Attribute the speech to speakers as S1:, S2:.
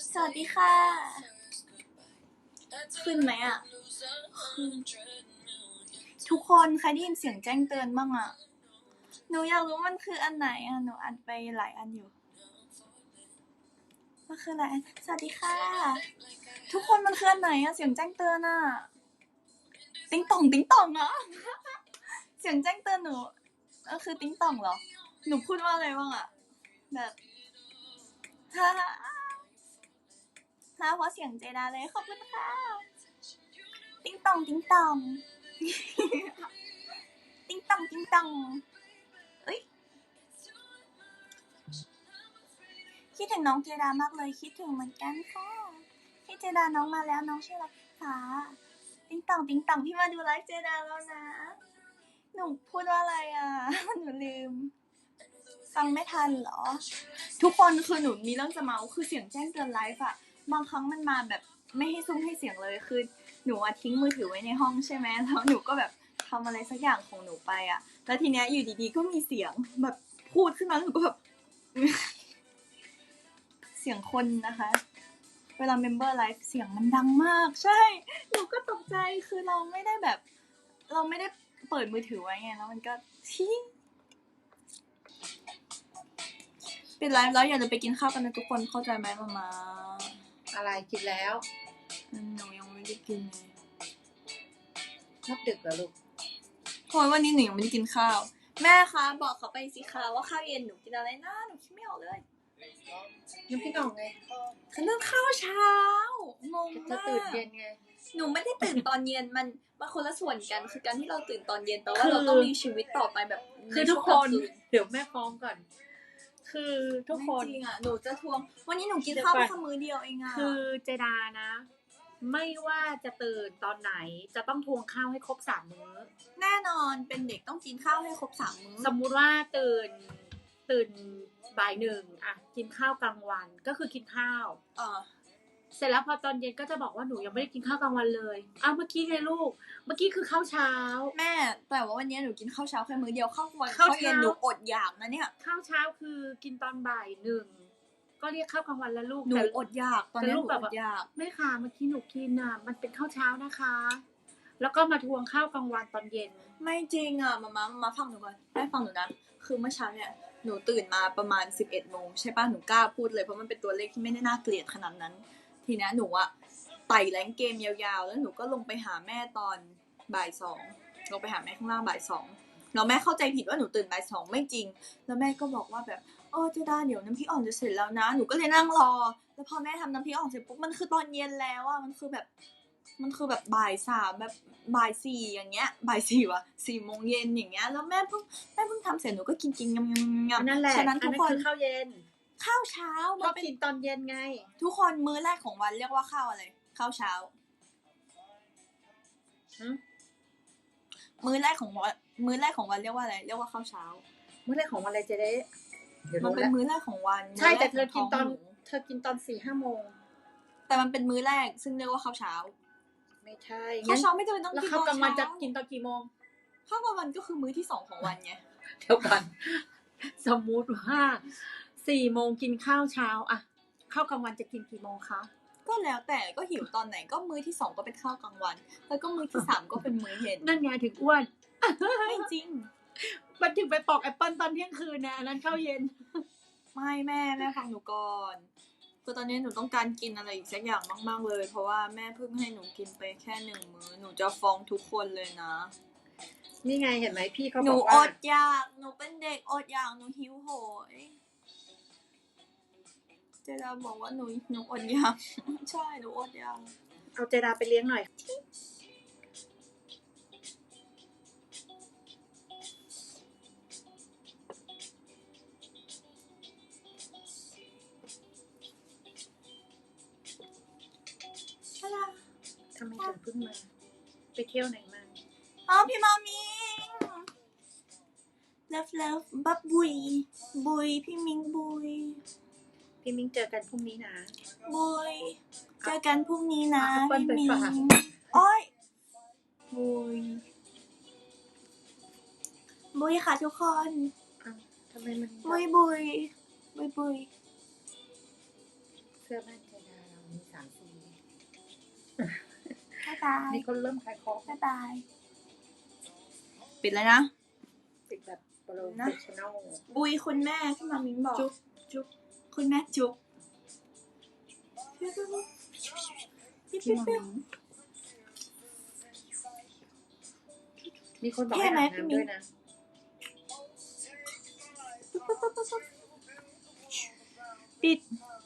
S1: สวัสดีค่ะ ขึ้นไหมอ่ะ ทุกคนใครได้ยินเสียงแจ้งเตือนบ้างอ่ะ หนูอยากรู้มันคืออันไหนอ่ะ หนูอ่านไปหลายอันอยู่มันคืออะไรสวัสดีค่ะ ทุกคนมันคืออันไหนอ่ะ เสียงแจ้งเตือนอ่ะ ติ๊งต่องติ๊งต่องอ่ะ เสียงแจ้งเตือนหนูคือติ๊งต่องเหรอ หนูพูดว่าอะไรบ้างอ่ะ แบบฮ่าเพราะเสียงเจดาเลยขอบคุณค่ะ ติ๊งต่องติ๊งต่อง ติ๊งต่องติ๊งต่องเอ้ยคิดถึงน้องเจดามากเลยคิดถึงเหมือนกันค่ะพี่เจดาน้องมาแล้วน้องชื่ออะไรคะติ๊งต่องติ๊งต่องพี่มาดูไลฟ์เจดาแล้วนะหนูพูดว่าอะไรอ่ะ หนูลืมฟังไม่ทันเหรอทุกคนคือหนูมีเรื่องจะเมาคือเสียงแจ้งเตือนไลฟ์อะบางครั้งมันมาแบบไม่ให้ซุ้มให้เสียงเลยคือหนูทิ้งมือถือไว้ในห้องใช่ไหมแล้วหนูก็แบบทำอะไรสักอย่างของหนูไปอะแล้วทีเนี้ยอยู่ดีๆก็มีเสียงแบบพูดขึ้นมาหนูก็แบบ เสียงคนนะคะเวลาเมมเบอร์ไลฟ์เสียงมันดังมากใช่หนูก็ตกใจคือเราไม่ได้เปิดมือถือไว้ไงแล้วมันก็ที่ปิดไลฟ์แล้วอย่าลืมไปกินข้าวกันนะทุกคนเข้าใจไหมมา
S2: อะไรกินแล้ว
S1: หนูยังไม่ได้กินเลย
S2: ชอบดึกเหรอลูก
S1: โอยวันนี้หนูยังไม่ได้กินข้าวแม่คะบอกเขาไปสิคะว่าข้าวเย็นหนูกินอะไรนะหนูคิดไม่ออกเลย
S2: น้ำพริกอ่องไง
S1: คือเรื่องข้าวเช้างงมาก
S2: จะตื่นเย็นไง
S1: หนูไม่ได้ตื่นตอนเย็นมันคนละส่วนกันคือการที่เราตื่นตอนเย็นแปลว่าเราต้องมีชีวิตต่อไปแบบ
S2: คือทุกคนเดี๋ยวแม่ฟ้องก่อนคือทุกคน
S1: จริงอ่ะหนูจะทวงวันนี้หนูกินข้าวแค่มื้อเดียวเองอ่ะ
S2: คือเจดานะไม่ว่าจะตื่นตอนไหนจะต้องทวงข้าวให้ครบ3 มื้อ
S1: แน่นอนเป็นเด็กต้องกินข้าวให้ครบ3 มื้อ
S2: สมมุติว่าตื่นบ่าย1อ่ะกินข้าวกลางวันก็คือกินข้าวเสร็จแล้วพอตอนเย็นก็จะบอกว่าหนูยังไม่ได้กินข้าวกลางวันเลยเมื่อกี้ไงลูกเมื่อกี้คือข้าวเช้า
S1: แม่แต่ว่าวันนี้หนูกินข้าวเช้าแค่มื้อเดียวข้าววันข้าวเย็นหนูอดอยากนะเนี่ย
S2: ข้าวเช้าคือกินตอนบ่าย1ก็เรียกข้าวกลางวันแล้วลูก
S1: หนูอดอยากตอนนี้หนูอดอยาก
S2: ไม่ค่ะเมื่อกี้หนูกินอ่ะมันเป็นข้าวเช้านะคะแล้วก็มาทวงข้าวกลางวันตอนเย็น
S1: ไม่จริงอ่ะมาฟังหนูก่อนได้ฟังหนูนะคือเมื่อเช้าเนี่ยหนูตื่นมาประมาณ 11 โมงใช่ป่ะหนูกล้าพูดเลยเพราะมันเป็นตัวเลขที่ไม่ได้น่าเกลียดขนาดนั้นทีนี้หนูอะไต่แรงเกมยาวๆแล้วหนูก็ลงไปหาแม่ตอนบ่าย 2ลงไปหาแม่ข้างล่างบ่าย 2แล้วแม่เข้าใจผิดว่าหนูตื่นบ่าย 2ไม่จริงแล้วแม่ก็บอกว่าแบบเจดาเดี๋ยวน้ำพริกอ่อนจะเสร็จแล้วนะหนูก็เลยนั่งรอแล้วพอแม่ทำน้ำพริกอ่อนเสร็จปุ๊บมันคือตอนเย็นแล้วอะมันคือแบบบ่าย 3แบบบ่าย 4อย่างเงี้ยบ่าย 4 ว่ะ 4 โมงเย็นอย่างเงี้ยแล้วแม่เพิ่งทำเสร็จหนูก็กินงำ
S2: นั่นแหละ
S1: ฉะนั้นทุกคน
S2: ข้าวเย็น
S1: ข้าวเช้า
S2: มันกินตอนเย็นไง
S1: ทุกคนมื้อแรกของวันเรียกว่าข้าวอะไรข้าวเช้ามื้อแรกของวันเรียกว่าอะไรเรียกว่าข้าวเช้า
S2: มื้อแรกของวันอะไรจะได้
S1: มันเป็นมื้อแรกของวัน
S2: ใช่แต่เธอกินตอน 4-5 โมง
S1: แต่มันเป็นมื้อแรกซึ่งเรียกว่าข้าวเช้า
S2: ไม่ใช่
S1: ข้าวเช้าไม่จำเป็นต้องกิน
S2: ข้าวกลางวันจะกินตอนกี่โมง
S1: ข้าวกลางวันก็คือมื้อที่2ของวันไง
S2: เดี๋ยวก่อนสมมุติว่า4 โมงกินข้าวเช้าอะข้าวกลางวันจะกินกี่โมงคะ
S1: ก็แล้วแต่ก็หิวตอนไหนก็มื้อที่2ก็เป็นข้าวกลางวันแล้วก็มื้อที่3ก็เป็นมื้อเย็น
S2: นั่นไงถึงอ้วน
S1: ไม่จริง
S2: มันถึงไปปอกแอปเปิ้ลตอนเที่ยงคืนนะอันนั้นข้าวเย็น
S1: ไม่แม่ฟังหนูก่อนคือตอนนี้หนูต้องการกินอะไรอีกสักอย่างมากๆเลยเพราะว่าแม่เพิ่งให้หนูกินไปแค่1 มื้อหนูจะฟ้องทุกคนเลยนะ
S2: นี่ไงเห็นไหมพี่เขาบอกว่า
S1: หนูอดอยากหนูเป็นเด็กอดอยากหนูหิวโหยเจดาบอกว่าหนูอดอยากใช่หนูอดอยาก
S2: เอาเจดาไปเลี้ยงหน่อยทำไมถึงเพิ่งมาไปเที่ยวไหนมา
S1: พี่มามิงเลิฟบับบุยพี่มิงบุย
S2: เจอกันพรุ่งนี้นะ
S1: บุยเจอกันพรุ่งนี้นะพี่มิงอ้อยบุยค่ะทุกคน
S2: ทำไมมัน
S1: บุย
S2: สื้อบ้านเจดาเรามี3 สี
S1: บ๊ายบาย
S2: นี่คนเริ่มขายของ
S1: บ๊ายบาย ปิดแล้วนะ
S2: ติดแบบโปรเฟชชั่นอล
S1: บุยคุณแม่ที่มามิงบอก
S2: จุ๊บจุ๊บ
S1: คุณแม่จุ๊บ
S2: พี่มามิงมีคนบอกให้อาบน้ำด้วยนะ
S1: ปิด